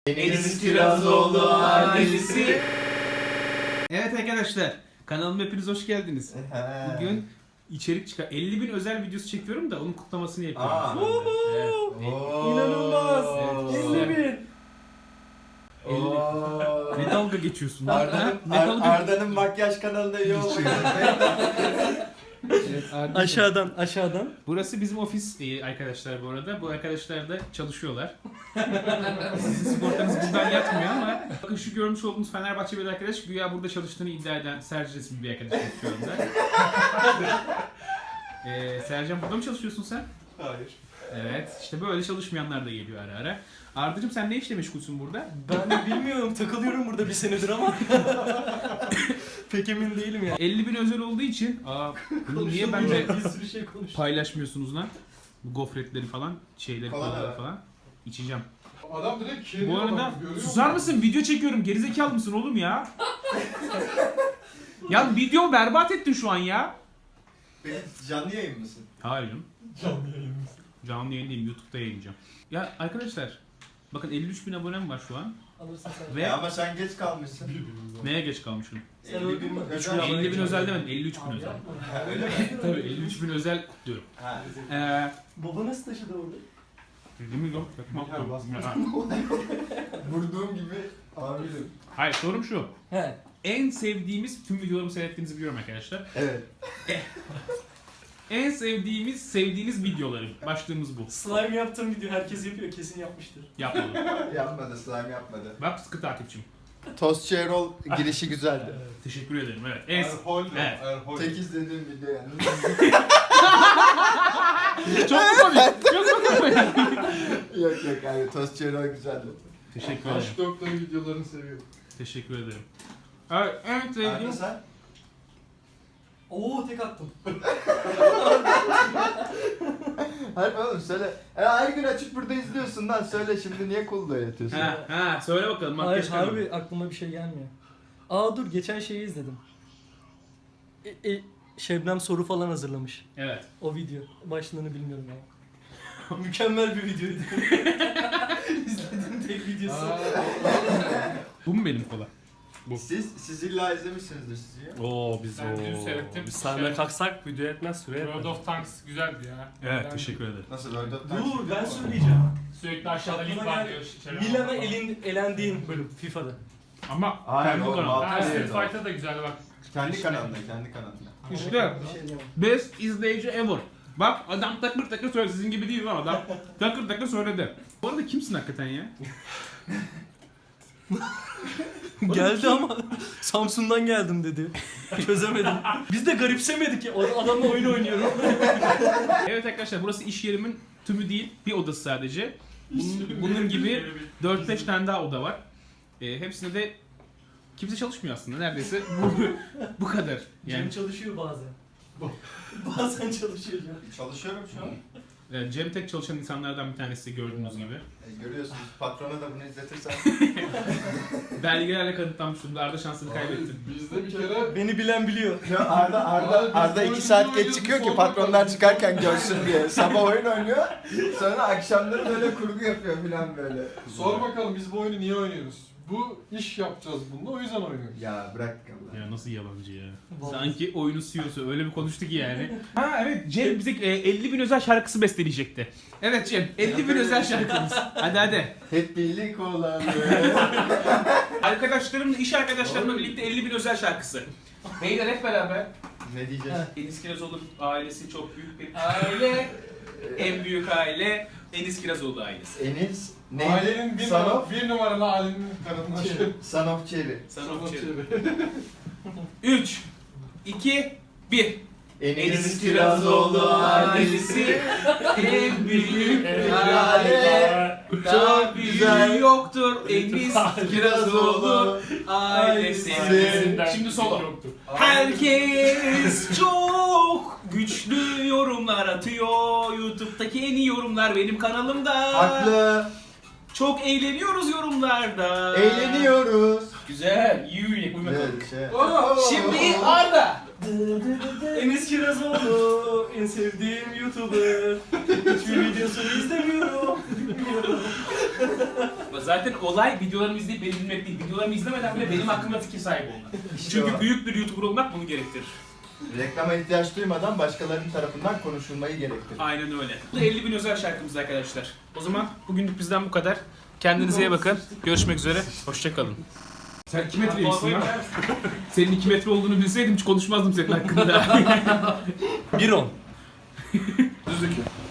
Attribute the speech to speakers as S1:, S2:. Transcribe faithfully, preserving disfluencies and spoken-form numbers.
S1: Enis Kirazoğlu ailesi. Evet arkadaşlar, kanalıma hepiniz hoş geldiniz. Bugün içerik çıkar. elli bin özel videosu çekiyorum da onun kutlamasını yapıyorum.
S2: Aa.
S1: Evet.
S2: İnanılmaz.
S1: Evet.
S2: elli bin.
S1: Ne dalga geçiyorsun lan?
S2: Arda'nın
S1: Ne dalga-
S2: Arda'nın makyaj kanalında iyi olmuş.
S1: Evet, Arda'cığım.
S3: Aşağıdan, aşağıdan.
S1: Burası bizim ofis e, arkadaşlar bu arada. Bu arkadaşlar da çalışıyorlar. Sizin sigortanız buradan yatmıyor ama bakın şu görmüş olduğunuz Fenerbahçe bir arkadaş güya burada çalıştığını iddia eden Sercan isimli bir arkadaşımız şu anda. ee, Sercan burada mı çalışıyorsun sen?
S2: Hayır.
S1: Evet. İşte böyle çalışmayanlar da geliyor ara ara. Arda'cığım sen ne işle meşgulsün burada?
S3: Ben de bilmiyorum, takılıyorum burada bir senedir ama. Pek emin değilim ya.
S1: elli bin özel olduğu için aa, bunu niye bence
S3: bir sürü şey konuş.
S1: paylaşmıyorsunuz lan? Bu gofretleri falan, şeyleri,
S2: Falan
S1: kolaları
S2: evet.
S1: falan. İçeceğim.
S4: Adam direkt kirli
S1: Bu arada
S4: adam, görüyor
S1: susar
S4: musun?
S1: mısın? Video çekiyorum. Gerizekalı mısın oğlum ya? Ya video berbat ettin şu an ya.
S2: Peki canlı yayın mısın?
S1: Hayır canım.
S4: Canlı yayınımız.
S1: Canlı yayın değil, YouTube'da yayınlayacağım. Ya arkadaşlar, bakın elli üç bin abonem var şu an.
S3: Alırsın sen.
S1: Ve
S2: Ya ama sen geç kalmışsın.
S4: Birbirimizden.
S1: neye geç kalmışım?
S3: Sen öldün mü?
S2: özel
S1: elli bin özel demedim, elli üç bin özel.
S3: Yapma.
S2: Ha, öyle mi?
S1: Tabii elli üç bin özel kutluyorum.
S2: Ha.
S1: Eee...
S3: Baba nasıl taşıdı orada?
S1: Değil yok? Çakmak
S4: Ya,
S1: yok.
S4: basma.
S1: Ha.
S2: Vurduğum gibi amirim.
S1: Hayır, sorum şu.
S3: He.
S1: En sevdiğimiz, tüm videolarımı seyrettiğinizi biliyorum arkadaşlar.
S2: Evet.
S1: En sevdiğimiz, sevdiğiniz videoları. Başlığımız bu.
S3: Slime yaptığım video herkes yapıyor, kesin yapmıştır.
S1: Yapmadım.
S2: Yapmadı, slime yapmadı.
S1: Bak sıkı takipçim.
S2: Tostçu Erol girişi güzeldi.
S1: Teşekkür ederim. Evet. En...
S4: Erhol.
S1: Evet.
S4: Erhol.
S2: Tek izlediğim video yani.
S1: Çok mu komik? Çok mu komik?
S2: yok yok abi, Tostçu Erol güzeldi.
S1: Teşekkür ederim.
S4: Aşk doktoru videolarını seviyorum.
S1: Teşekkür ederim. Evet, en sevdiğim...
S2: Arda sen?
S3: Oo, tek attım.
S2: Hayır oğlum söyle. E, her gün açıp burada izliyorsun lan, söyle şimdi niye kulda yatıyorsun?
S1: Ha, ha, söyle bakalım.
S3: Hayır,
S1: Makyaj kanalı.
S3: harbi aklıma bir şey gelmiyor. Aa dur, geçen şeyi izledim. E, e, Şebnem soru falan hazırlamış.
S1: Evet.
S3: O video. Başlığını bilmiyorum ya. Mükemmel bir videoydu. İzlediğim tek videosu.
S1: Bu mu benim kola? Bu.
S2: Siz, siz illa izlemişsinizdir sizi ya.
S1: Oo biz
S5: Ben dün
S1: oo.
S5: seyrettim.
S3: Biz sahneye kalksak video etmez, süre
S5: World
S3: etmez.
S5: of Tanks güzeldi ya.
S1: Evet,
S5: Ben
S1: teşekkür ederim.
S2: Nasıl World of
S3: Dur, ben söyleyeceğim.
S5: Sürekli aşağıda link
S3: Aklıma
S5: var
S3: geldi.
S5: diyor. Şeref
S3: Milan'a
S5: falan.
S3: elin, elendiğin bölüm FIFA'da.
S1: Ama
S2: Hayır,
S1: kendi
S2: oğlum,
S1: kanalım.
S2: altı-
S5: Ha, Street
S2: Evet, o.
S5: Fighter da güzeldi bak.
S2: Kendi kanalında, kendi kanalında.
S1: İşte
S3: Bir şey diyemem.
S1: best izleyici ever. Bak adam takır takır söyledi. Sizin gibi değil lan adam. Takır takır söyledi. Bu arada kimsin hakikaten ya?
S3: Geldi ama Samsun'dan geldim dedi. Çözemedim. Biz de garipsemedik ya. O adamla oyun oynuyorum.
S1: Evet arkadaşlar, burası iş yerimin tümü değil. Bir odası sadece. Bunun, bunun gibi dört beş tane daha oda var. E, hepsinde de kimse çalışmıyor aslında. Neredeyse bu, bu kadar.
S3: Cem
S1: Yani
S3: çalışıyor bazen. Bazen çalışıyor Cem.
S2: Çalışıyorum şu an.
S1: e, Cem tek çalışan insanlardan bir tanesi gördüğünüz gibi.
S2: E, görüyorsunuz, patrona da bunu izletirsen.
S1: Belgelerle kanıtlanmış durumda. Arda şansını kaybetti.
S4: Bizde bir kere
S3: Beni bilen biliyor.
S2: Ya Arda, Arda, Arda iki saat geç çıkıyor ki patronlar çıkarken görsün diye. Sabah oyun oynuyor, sonra akşamları böyle kurgu yapıyor falan böyle.
S4: sor bakalım biz bu oyunu niye oynuyoruz? Bu iş yapacağız bununla, o yüzden oynuyoruz.
S2: Ya bırak Allah.
S1: Ya nasıl yalancı ya.
S3: Vallahi.
S1: Sanki oyunun C E O'su öyle bir konuştu ki yani. Ha evet, Cem bize e, elli bin özel şarkısı besteleyecekti. Evet Cem, elli bin özel şarkımız. Hadi hadi.
S2: Hep birlik olalım.
S1: Arkadaşlarımla, iş arkadaşlarımla birlikte elli bin özel şarkısı. Beyler hep beraber.
S2: Ne diyeceğiz?
S1: Enis Kirazoğlu ailesi çok büyük bir aile. En büyük aile Enis Kirazoğlu ailesi.
S2: Enis, ne?
S4: Ailenin bir,
S2: Son
S4: numara,
S2: of,
S4: bir numaralı ailenin kadınlar.
S2: Son of Cherry.
S1: Sana üç, iki, bir. Enis Kirazoğlu ailesi en büyük aile. Daha büyüğü yoktur Enis Kirazoğlu ailesi. Şimdi solo. Herkes çok güçlü yorumlar atıyor. YouTube'daki en iyi yorumlar benim kanalımda.
S2: Haklı.
S1: Çok eğleniyoruz yorumlarda.
S2: Eğleniyoruz.
S1: Güzel. Yuh, uyuma kalk.
S2: Evet, şey.
S1: Şimdi Arda.
S3: Enis Kirazoğlu en sevdiğim YouTuber. Hiçbir videosunu izlemiyorum.
S1: Zaten olay videolarımı izleyip beni bilmek değil. Videolarımı izlemeden bile benim hakkımda fikir sahibi olmak. Çünkü
S2: o.
S1: büyük bir YouTuber olmak bunu gerektirir.
S2: Reklama ihtiyaç duymadan başkalarının tarafından konuşulmayı gerektirir.
S1: Aynen öyle. Bu da elli bin özel şarkımız arkadaşlar. O zaman bugünlük bizden bu kadar. Kendinize iyi bakın. Görüşmek üzere. Hoşçakalın. Sen iki metreymişsin lan. Senin iki metre olduğunu bilseydim hiç konuşmazdım senin hakkında.
S3: bir on.
S4: Düz iki.